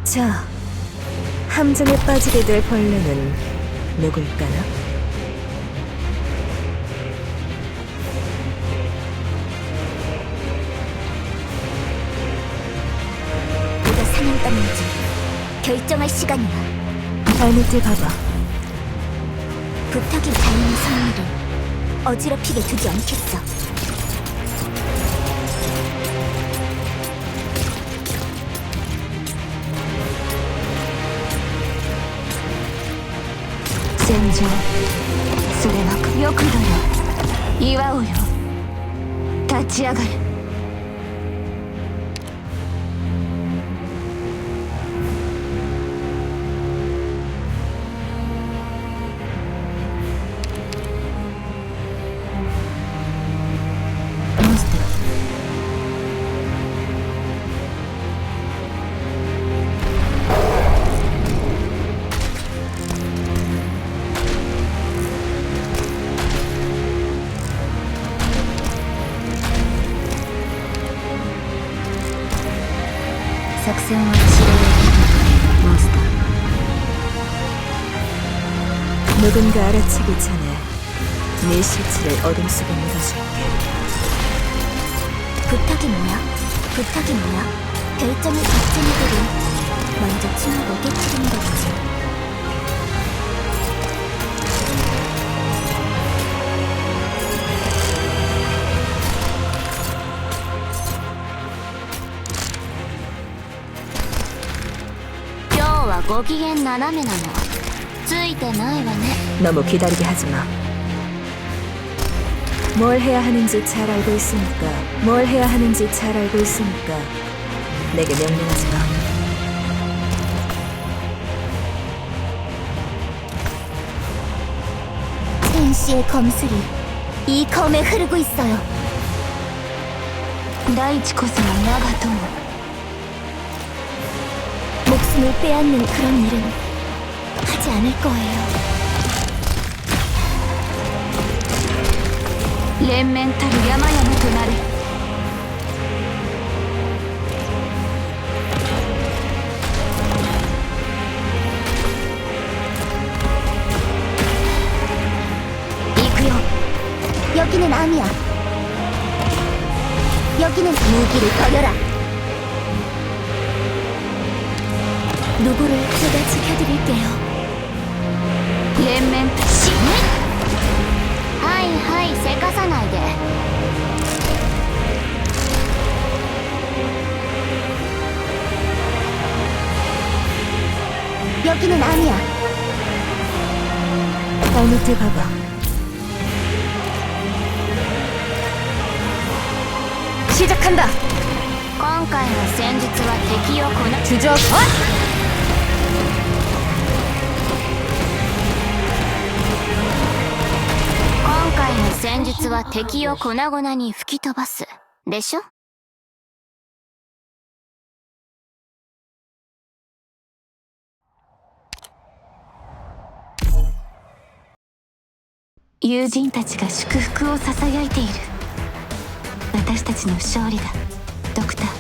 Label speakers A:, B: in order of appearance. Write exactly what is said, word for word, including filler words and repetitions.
A: 자, 함정에 빠지게 될 벌레는 누굴까나?
B: 누가 사냥감인지 결정할 시간이야.
A: 발밑을 봐봐.
B: 부탁이 달린 성의를 어지럽히게 두지 않겠어.
A: 戦場、それはよくだよ。祝おうよ。立ち上がる。モンスター。作戦は指令モンスター。 누군가 알아채기 전에 네 실체를 어둠 속에 묻어줄게.
B: 부탁이 뭐야? 부탁이 뭐야? 결정을 거친 이들은 먼저 침묵을 깨뜨리는 거지. 와ご機嫌斜めなのついてないわね.
A: 너무 기다리게 하지 마. 뭘 해야 하는지 잘 알고 있으니까 뭘 해야 하는지 잘 알고 있으니까 내게 명령하지 마.
B: 첸시의 검술이 이 검에 흐르고 있어요.
A: 다이치こそが我が友.
B: 목숨을 빼앗는 그런 일은 하지 않을 거예요.
A: 連綿たる山々となれ.
B: 이구요. 여기는 암이야. 여기는 무기를 버려라. 누구를 제가 지켜드릴게요.
A: 連綿
B: 死ね。はいはいせかさないで。여기는 암이야.
A: 발밑을 봐봐. 시작한다.
B: 今回の戦術は敵をこな
A: 주저 컷!
B: 今回の戦術は敵を粉々に吹き飛ばすでしょ。
A: 友人たちが祝福をささやいている。私たちの勝利だ、ドクター。